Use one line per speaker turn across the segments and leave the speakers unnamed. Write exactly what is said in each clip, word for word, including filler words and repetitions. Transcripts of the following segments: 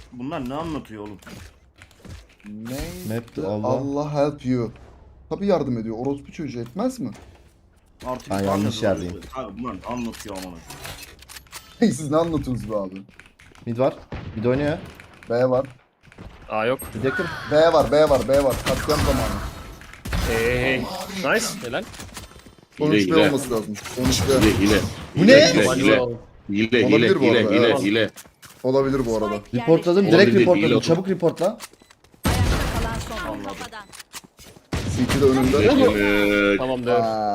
Bunlar ne anlatıyor oğlum?
Neydi?
Allah.
Allah help you. Tabi yardım ediyor. Orospu çocuğu etmez mi?
Artık
Ha, yanlış yerdeyim.
Abi bunlar anlatıyor amına.
Siz ne anlatıyorsunuz be abi?
Mid var. Mid oynuyor.
B var.
Aa yok.
Mid yakın.
B var, B var, B var. Katliam zamanı.
Hey hey. Nice. Helal.
on üç B
hile.
olması lazım. on üç B.
Hile hile.
Bu ne?
Hile hile. Hile hile
Olabilir bu
hile
arada,
hile
evet.
hile.
Olabilir bu arada.
Reportladım.
Olabilir,
Direkt
değil
reportladım.
oğlum.
Çabuk reportla.
C T'de önünde.
Evet.
Tamamdır.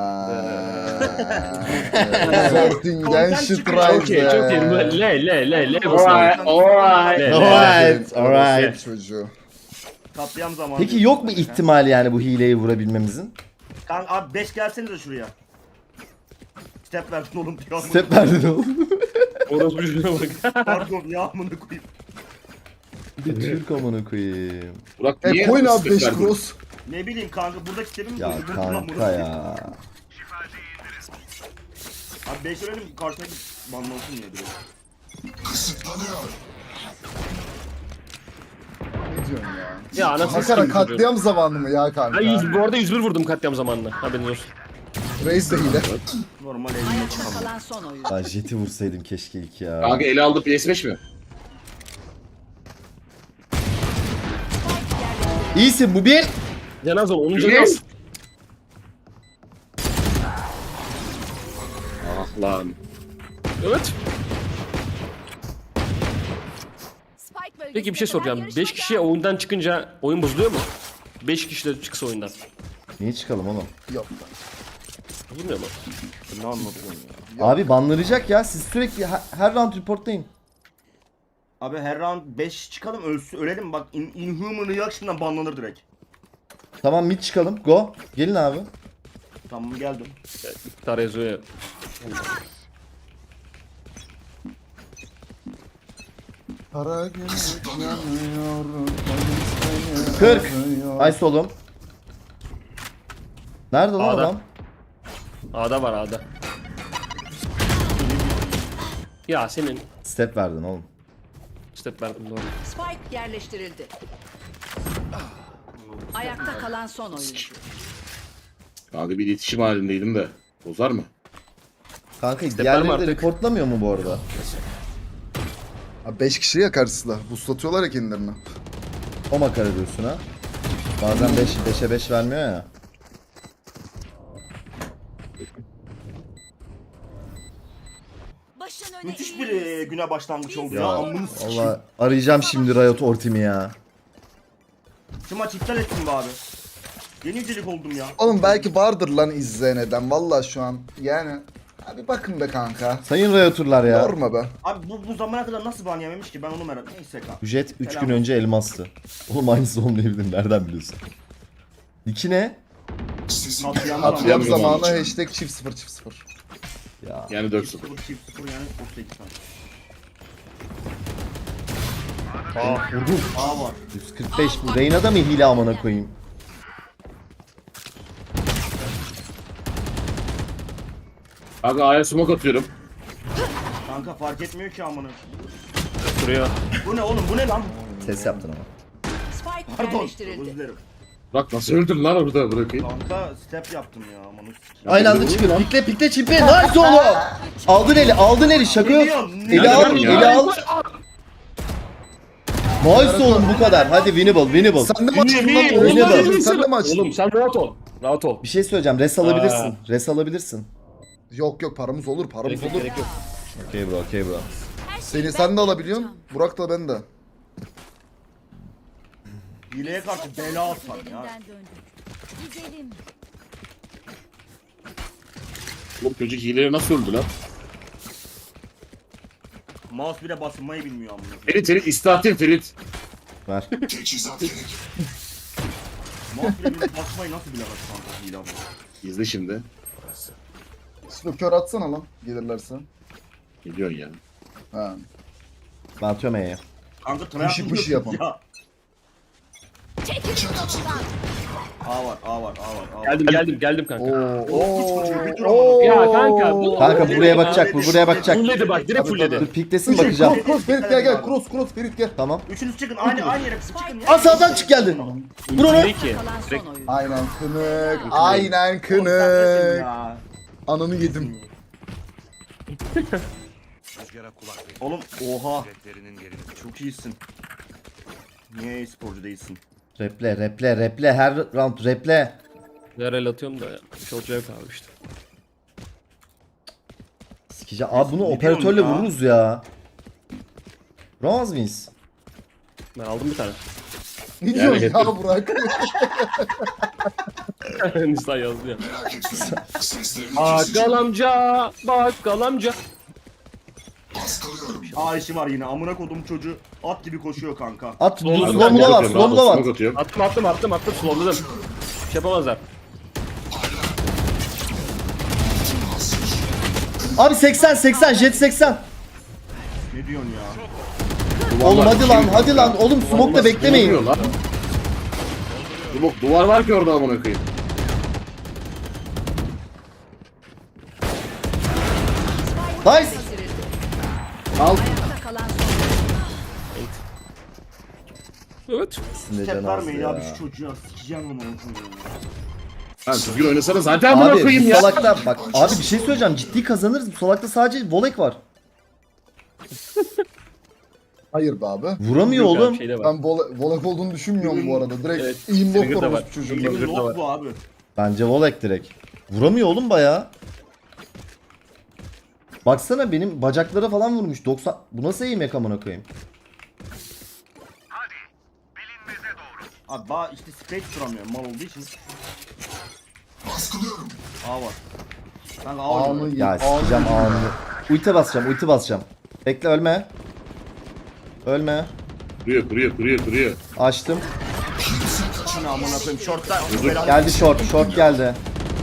Sortingen Strike.
Çok iyi çok iyi. Le le le le.
Alright alright.
Le, le.
Alright, alright.
Çocuğu.
Katliam zamanı.
Peki yok mu ihtimal yani bu hileyi vurabilmemizin?
Kanka abi beş gelsenize şuraya. Step verdin oğlum diyor.
Step verdin oğlum.
Orası bir bak.
Pardon ya amına koyayım.
Bir Türk amına koyayım.
Burak
E
niye
koyun abi
step
beş
verdin?
cross.
Ne bileyim kanka buradaki step'im mi
Ya
koydun? Lan bunu
kanka ya.
Abi beş öğrenim karşına git banlansın ya direkt.
Ne diyorsun ya?
Ya anasını
Makara
sikeyim çocuğu.
katliam zamanı mı ya kanka?
Ben yüz, bu arada yüz bir vurdum katliam zamanında. Haberiniz olsun.
Reis de hile.
Normal eline
Ayakta
çıkamam.
kalan son oyun.
Ya jeti vursaydım keşke ilk ya.
Kanka ele aldı P S beş mi?
İyisin bu bir.
Cenaz ol. Onun
Yes.
cenaz.
Ah lan.
Evet.
Spike bölgesinde
Peki bir şey soracağım.
kadar
beş kişi oyundan çıkınca oyun bozuluyor mu? beş kişi de çıksa oyundan.
Niye çıkalım oğlum?
Yok.
Bozulmuyor mu?
Ne anlatıyorsun ya?
Abi banlanacak ya. Siz sürekli her, her round reportlayın.
Abi her round beş çıkalım ölsün ölelim bak in Inhuman Reaction'dan banlanır direkt.
Tamam mid çıkalım. Go. Gelin abi.
Tamam geldim.
İktidar yazıyor ya.
Kara gümrük yanıyor.
kırk. Nice oğlum. Nerede lan
A'da.
adam?
A'da var A'da. Ya senin
Step verdin oğlum.
step verdim doğru.
Spike yerleştirildi. Ayakta kalan son oyuncu.
Kanka bir iletişim halindeydim de. Bozar mı?
Kanka
Step
diğerleri
verme
de
artık.
reportlamıyor mu bu arada?
Abi beş kişi ya karşısında. Buslatıyorlar ya kendilerini.
O makara diyorsun ha. Bazen beş, beşe beş vermiyor ya.
Başın öne
Müthiş bir
eğilmesin.
e, güne başlangıç oldu ya.
Ya
Amını sikeyim.
valla arayacağım şimdi Riot Ortim'i ya.
Şu maç iptal ettim be abi. Yeni yücelik oldum ya.
Oğlum belki vardır lan izleyen eden. Valla şu an. Yani. Abi bakın be kanka.
Sayın Riot'urlar ya.
Yorma be.
Abi bu, bu zamana kadar nasıl ban yememiş ki ben onu merak neyse kanka.
Bu jet üç
Selam.
gün önce elmastı. Oğlum aynısı olmayabilir nereden biliyorsun? İki ne?
Katliam
Katliam
Katliam
zamanı
zamanı.
hashtag çift sıfır çift sıfır.
Ya.
Yani dört
Çift
sıfır.
sıfır çift sıfır yani otuz sekiz tane.
Aa
Vurdum.
A var.
yüz kırk beş bu. Reyna'da mı hile amına koyayım?
Kanka A'ya smoke atıyorum.
Kanka fark etmiyor ki amına.
duruyor.
Bu ne oğlum bu ne lan?
Ses yaptın ama.
Spike
Pardon. Özür
yerleştirildi.
dilerim.
Burak nasıl öldün lan orada bırakayım.
Kanka step yaptım ya amına.
Aynı anda çıkıyor. Pikle pikle çimpi. Nice oğlum. Aldın eli aldın eli şaka yok.
Biliyorum,
Eli
biliyorum
al
ya.
eli al. Nice oğlum bu kadar. Hadi winnable winnable.
Sen de mi açtın lan?
Oğlum,
Oğlum,
oğlum,
Sen de mi açtın?
Oğlum sen rahat ol. Rahat ol.
Bir şey söyleyeceğim. Res alabilirsin.
Aa.
Res alabilirsin.
Yok yok paramız olur paramız
Gerek yok,
olur.
gerek yok.
Okey bro okey bro.
Seni sen de alabiliyorsun. Burak da ben de.
Hileye karşı bela atsan ya.
Güzelim.
Oğlum çocuk hileye nasıl öldü lan?
Mouse bile basılmayı bilmiyor amına.
Ferit Ferit istatin Ferit.
Ver.
Mouse bile bilmiyor basmayı nasıl bilemez kanka hile amına.
İzle şimdi.
Şimdi kör atsana lan gelirlerse.
Geliyorsun ya.
Ha.
Ben atıyorum E'ye.
Kanka tryhard
Pışı pışı
yapıyorsun
yapalım.
ya.
Çekil yolumdan.
A var, A var, A var, A var.
Geldim geldim geldim kanka.
Oo.
çocuğu, bir dur
Oo.
ama.
Ya kanka bu.
Kanka buraya bakacak, bu buraya bakacak.
Fulledi bak direkt
Dur
fulledi.
piklesin bakacağım.
Cross cross Ferit gel gel cross cross Ferit gel.
Tamam.
Üçünüz çıkın, aynı aynı yere çıkın ya.
Aa sağdan çık geldi. Vur onu.
Ne ki?
Kalan son
Direkt
oyuncu.
Aynen kınık. Aynen
Oğlum sen
kınık.
nesin ya?
Ananı yedim.
Rüzgara kulak verin.
Oğlum oha.
Ceplerinin yerini
Çok iyisin. Niye e-sporcu değilsin?
Reple reple reple her round reple.
Yarel atıyorum da ya. Çok zevk abi işte.
Sikeceğim. Abi bunu
Ne
operatörle
diyorsun ya?
vururuz ya. Vuramaz mıyız?
Ben aldım bir tane.
Ne diyorsun
hep-
ya Burak?
Nisa yazdı ya. Bakkal amca, bakkal amca.
Aa işi var yine. Amına kodum çocuğu at gibi koşuyor kanka.
At.
Slow'da
Slow'da var. Slow'da var.
Smoke atıyorum.
Attım attım attım attım slowladım. Şey yapamazlar.
Abi seksen seksen jet seksen.
Ne diyorsun ya?
Oğlum hadi lan hadi lan. Oğlum smoke'da
Ne
beklemeyin.
oluyor lan? Smoke duvar var ki orada amına koyayım.
Nice.
Al.
Ayakta kalan son oyuncu.
Evet.
Ne
Step
can
vermeyin
az
ya
ya.
şu çocuğa. Sikeceğim onu.
Lan düzgün oynasana zaten amına
Abi
koyayım
bu
ya.
salakta bak abi bir şey söyleyeceğim ciddi kazanırız bu salakta sadece volek var.
Hayır be abi.
Vuramıyor
Yok abi,
oğlum.
şeyde var.
Ben vola- volek olduğunu düşünmüyorum bu arada. Direkt
Evet,
aim
Trigger'da
lock var
var.
bu çocuğun.
Trigger-
Elim
da var.
yok bu abi.
Bence volek direkt. Vuramıyor oğlum baya. Baksana benim bacaklara falan vurmuş. doksan Bu nasıl eğim yak amına koyayım?
Abi ba işte space duramıyor mal olduğu için. Baskılıyorum. A var. Kanka A
Ağını
var.
ye-
Ya
ağını
sikeceğim
yedim
ağını.
ya.
Ulti basacağım ulti basacağım. Bekle ölme. Ölme.
Kuruyor kuruyor kuruyor kuruyor.
Açtım.
Şunu amına koyayım. Short'ta.
Geldi short. Short geldi.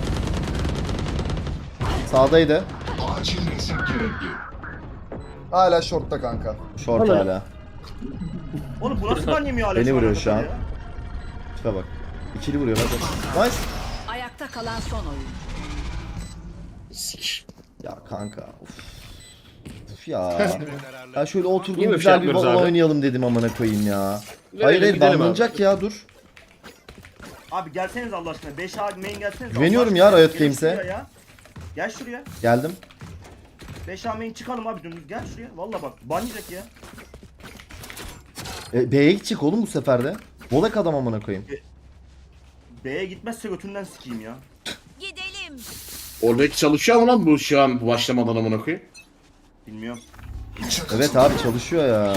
Sağdaydı.
Hala shortta kanka.
Short hala.
Oğlum bu nasıl ban yemiyor Alex?
Beni vuruyor
bana
şu an.
kadar ya?
Tipe bak. İkili vuruyor hadi. Nice.
Ayakta kalan son oyuncu.
Sik.
Ya kanka. Uf. Uf ya. Ya şöyle oturdum
Niye böyle
güzel
şey
bir
yapmıyoruz
Valorant
abi?
oynayalım dedim amına koyayım ya.
Verelim,
Hayır hayır
gidelim abi.
banlanacak ya dur.
Abi gelseniz Allah aşkına. beş A main gelseniz.
Güveniyorum
Allah
ya
aşkına.
Riot
Gelin
Games'e.
şuraya ya. Gel şuraya.
Geldim.
beş A main çıkalım abi dümdüz. Gel şuraya. Valla bak ban yiyecek ya.
E, B'ye gidecek oğlum bu sefer de. Volek adam amına koyayım.
B'ye gitmezse götünden sikeyim ya.
Gidelim.
Oradaki çalışıyor mu lan bu şu an başlamadan amına koyayım?
Bilmiyorum.
Evet abi çalışıyor ya.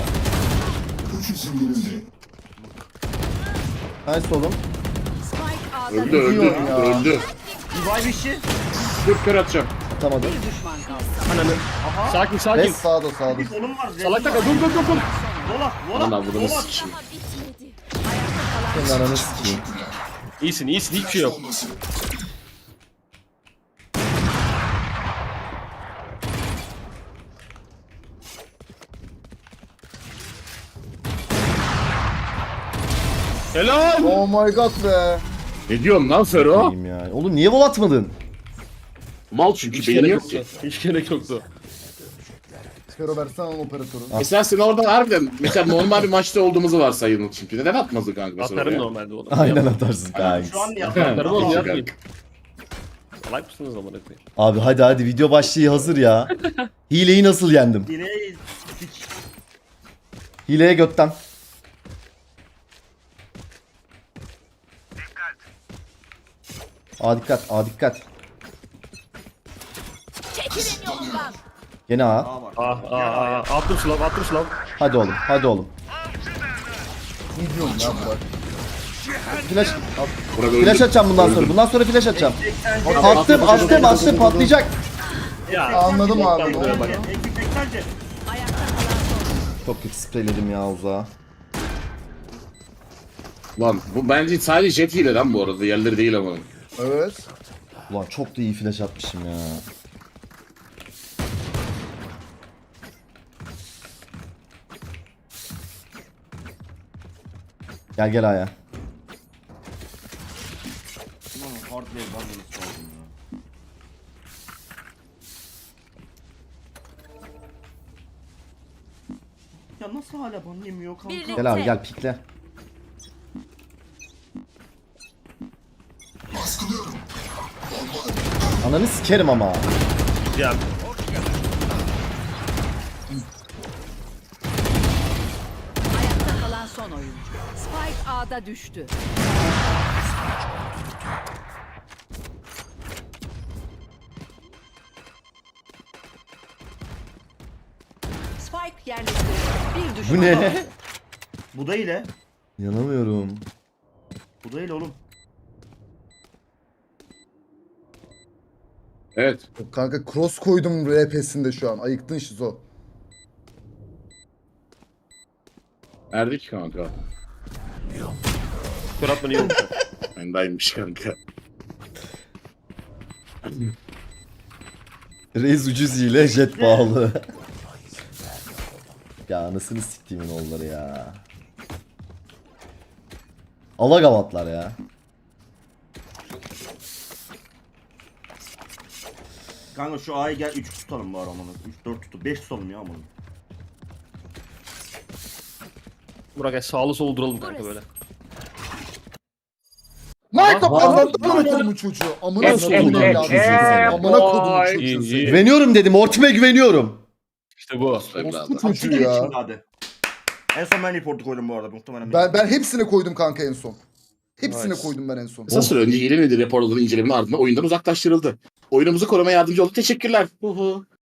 Nice oğlum.
Spike A'da
Öldü öldü
diyorsun ya?
öldü.
Revive işi.
Dört kere atacağım.
Atamadım.
bir düşman kaldı.
Ananı. Sakin sakin.
Res.
Sağda sağda.
Bir kolum var.
Salak taka dur dur dur dur.
Vola.
Aman
Vola.
abudunu
Vola.
sikeyim.
Senin ananı sikeyim.
İyisin iyisin hiçbir şey yok. Helal.
Oh my god be.
Ne diyorsun lan Fero?
Koyayım ya. Oğlum niye vol atmadın?
Mal çünkü
Hiç
beyni
gerek
yok ki.
yoktu. Hiç gerek yoktu.
Fero versene lan operatörü.
Mesela sen orada harbiden mesela normal bir maçta olduğumuzu varsayalım çünkü. Neden atmazdın kanka mesela
Atarım
oraya?
normalde onu.
Aynen atarsın kanka.
Şu an ya.
Atarım oğlum
Tamam.
yapmayın. Salak mısınız amına koyayım?
Abi hadi hadi video başlığı hazır ya. Hileyi nasıl yendim?
Direği sik.
Hileye götten. A dikkat, A dikkat.
Çekilin yolundan.
Gene A.
A var.
Ah ah ah. Attım slav attım slav.
Hadi oğlum, hadi oğlum.
Ne diyorsun ya Burak?
Flash,
Burak öldü.
flash atacağım bundan sonra.
Öldü.
Bundan sonra flash atacağım.
seksen
Adam-
Attım, attım, attım, patlayacak.
Ya.
Anladım abi.
Tam buraya bak.
Eksik seksen.
Ayakta kalan son oyuncu.
Çok kötü spreyledim ya uzağa.
Lan bu bence sadece jet hile lan bu arada. Yerleri değil ama.
Evet.
Ulan çok da iyi flash atmışım ya. Gel gel Aya.
almanız lazım ya. Ya nasıl hala ban yemiyor kanka?
Birlik-
Gel abi gel pikle. Ananı sikerim ama.
Ya
Ayakta kalan son oyuncu. Spike A'da düştü. Spike yerleştirildi. Bir düşman
Bu ne?
kaldı.
Bu da ile.
Yanamıyorum.
Bu da ile oğlum.
Evet.
Kanka cross koydum R P'sinde şu an. Ayıktın şizo.
Erdik kanka.
kör atman iyi olmuş.
Bendaymış kanka.
Reis ucuz ile jet pahalı. Ya anasını siktiğimin oğulları ya. Alagavatlar ya.
Kanka şu A'yı gel üç tutalım bari amanı. üç dört tutup beş tutalım ya amanı.
Burak gel sağlı solu duralım kanka böyle.
Mike
Vay.
amına kodumun çocuğu. Amına
Evet,
kodumun
evet,
evladı.
evet.
Amına kodumun
Vay.
çocuğu.
İyi,
seni.
iyi.
Güveniyorum dedim. Ortime güveniyorum.
İşte bu.
Orospu
Evladım.
çocuğu ya.
Şimdi hadi. En son ben reportu koydum bu arada muhtemelen.
Ben ben hepsine koydum kanka en son. Hepsine
Nice.
koydum ben en son.
Kısa süre önce hile nedir raporların incelemenin ardından oyundan uzaklaştırıldı. Oyunumuzu korumaya yardımcı oldu. Teşekkürler. Hu hu.